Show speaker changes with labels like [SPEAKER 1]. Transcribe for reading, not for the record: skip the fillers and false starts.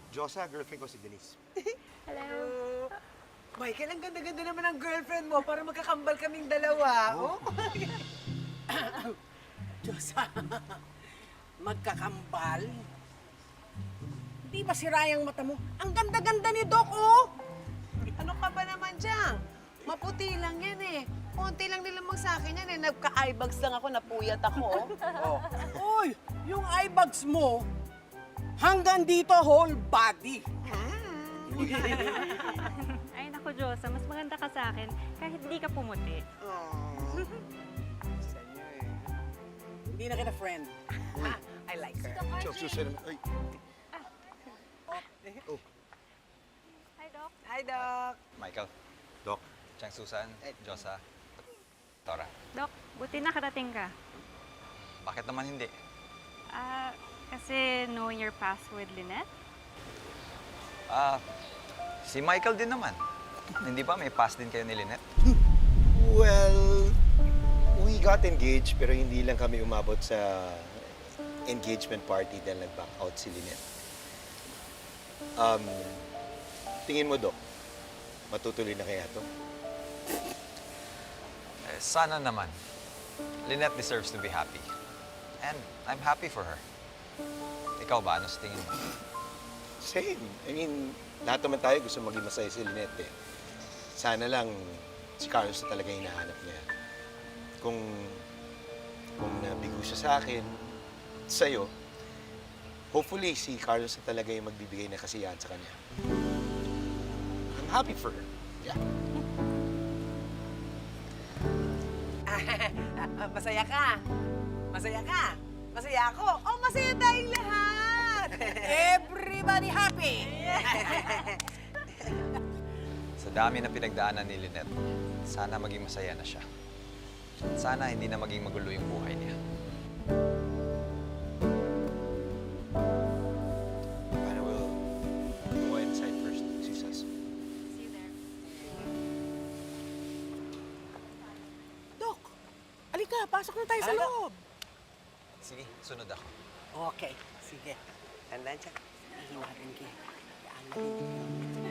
[SPEAKER 1] Josa, girlfriend ko si Denise.
[SPEAKER 2] Hello.
[SPEAKER 3] Michael, ang ganda-ganda naman ang girlfriend mo para magkakambal kaming dalawa. Oh. Diyosa, magkakambal? Di ba sira yung mata mo? Ang ganda-ganda ni Doc, oh!
[SPEAKER 4] Ano ka ba naman dyan? Maputi lang yan eh. Konti lang nilamang sa akin yan eh. Nagka-eyebags lang ako, napuyat ako.
[SPEAKER 3] Oh. Uy, yung eye bags mo, hanggang dito whole body.
[SPEAKER 2] Ay, naku, Diyosa, mas maganda ka sa akin kahit hindi ka pumuti.
[SPEAKER 3] Hindi na kita friend. I like her.
[SPEAKER 1] Chok, susunod. Ay,
[SPEAKER 2] Hi, Doc.
[SPEAKER 4] Hi, Doc.
[SPEAKER 5] Michael,
[SPEAKER 1] Doc.
[SPEAKER 5] Chang Susan, Josa, Tora.
[SPEAKER 2] Doc, buti nakarating ka.
[SPEAKER 5] Bakit naman hindi?
[SPEAKER 2] Kasi knowing your past with Lynette?
[SPEAKER 5] Si Michael din naman. Hindi ba may past din kayo ni Lynette?
[SPEAKER 1] Well, we got engaged pero hindi lang kami umabot sa engagement party dahil nag-back out si Lynette. Tingin mo, Doc, matutuloy na kaya to?
[SPEAKER 5] Sana naman. Lynette deserves to be happy. And I'm happy for her. Ikaw ba? Ano sa tingin mo?
[SPEAKER 1] Same. I mean, lahat naman tayo gusto maging masaya si Lynette eh. Sana lang si Carlos na talaga yung hinahanap niya. Kung nabigo siya sa akin, sa'yo, hopefully si Carlos na talaga yung magbibigay ng kasiyahan sa kanya. I'm happy for her. Yeah.
[SPEAKER 4] Masaya ka. Masaya ka. Masaya ako. Oh, masaya tayong lahat.
[SPEAKER 3] Everybody happy!
[SPEAKER 5] Sa dami na pinagdaanan ni Lynette, sana maging masaya na siya. Sana hindi na maging magulo yung buhay niya.
[SPEAKER 1] Paano we'll go inside first, Susan?
[SPEAKER 2] See you there.
[SPEAKER 3] Doc, alika, pasok na tayo sa loob.
[SPEAKER 5] Sige, sunod ako.
[SPEAKER 3] Okay, sige. Tandaan siya. Hihinarin kayo. Kaya ang